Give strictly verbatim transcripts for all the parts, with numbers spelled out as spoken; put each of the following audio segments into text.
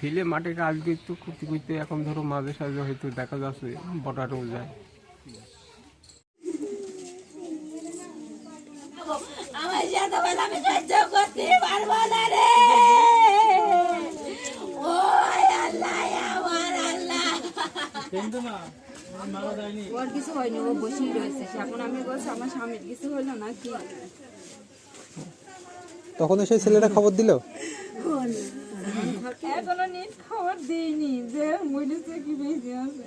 ছেলে মাঠে কাজ করতো করতে করতে এখন ধরো মাঝে সাঝে হয়তো দেখা যাচ্ছে বটাটাও যায়। আমার সাথে বলে আমি সহ্য করতে পারবো না রে। ও আল্লাহ, আমার আল্লাহ। ওর কিছু হয়নি, ও বসেই রয়েছে। এখন আমি বলছি আমার স্বামীর কিছু হলো না কি। তখন সেই ছেলেটা খবর দিল? এখনো নিট খবর দিইনি যে মরেছে কি বেঁচে আছে।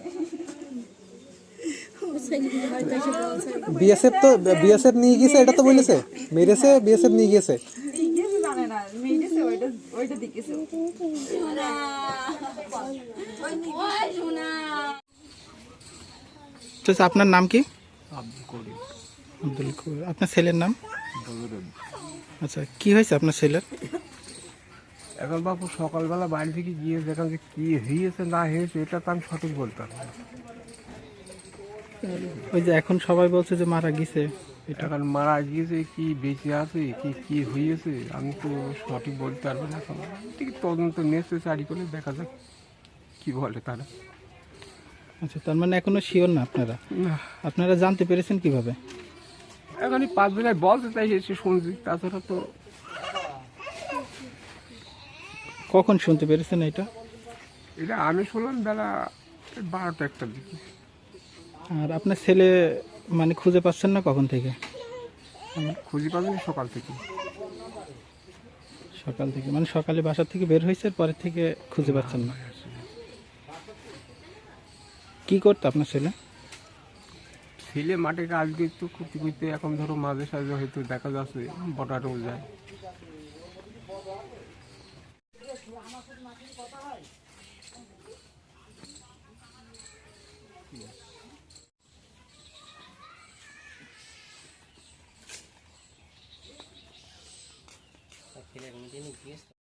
বিএসএফ তো বিএসএফ নিয়ে গিয়েছে, এটা তো বলেছে মেরেছে, বিএসএফ নিয়ে গিয়েছে। কিছু জানে না, মেরেছে ওইটা ওইটা দেখেছে। শোনা, ওই শোনা। আচ্ছা, আপনার নাম কি? আব্দুল করিম। আব্দুল করিম। আপনার ছেলের নাম? বজরুল। আচ্ছা, কি হয়েছে আপনার ছেলের? এখন বাবু সকালবেলা বাড়ি থেকে গিয়ে দেখলাম যে কী হয়েছে না হয়েছে এটা তো আমি সঠিক বলতে পারবো না। ওই যে এখন সবাই বলছে যে মারা গেছে, এটা এখন মারা গিয়েছে কি বেঁচে আছে কি কি হয়েছে আমি তো সঠিক বলতে পারবো না। এখন ঠিক তদন্ত নেসেসারি করে দেখা যাক কি বলে তারা। আচ্ছা, তার মানে এখনো শিওর না আপনারা? না, আপনারা জানতে পেরেছেন কিভাবে? এখন এই পাঁচ জনের বলতে তাই এসে শুনছি, তাছাড়া তো কখন শুনতে পেরেছেন এটা? এটা আমি শুনলাম বেলা বারোটা একটার দিকে। আর আপনার ছেলে মানে খুঁজে পাচ্ছেন না কখন থেকে? খুঁজে পাবেন সকাল থেকে। সকাল থেকে, মানে সকালে বাসা থেকে বের হয়েছে, পরের থেকে খুঁজে পাচ্ছেন না। কি করতো আপনার ছেলে? ছেলে মাঠে কাজ করতো করতে করতে এখন ধরো মাঝে সাঝে হয়তো দেখা যাচ্ছে বটাটাও যায়। ছেলের মেয়ে গিয়েছে।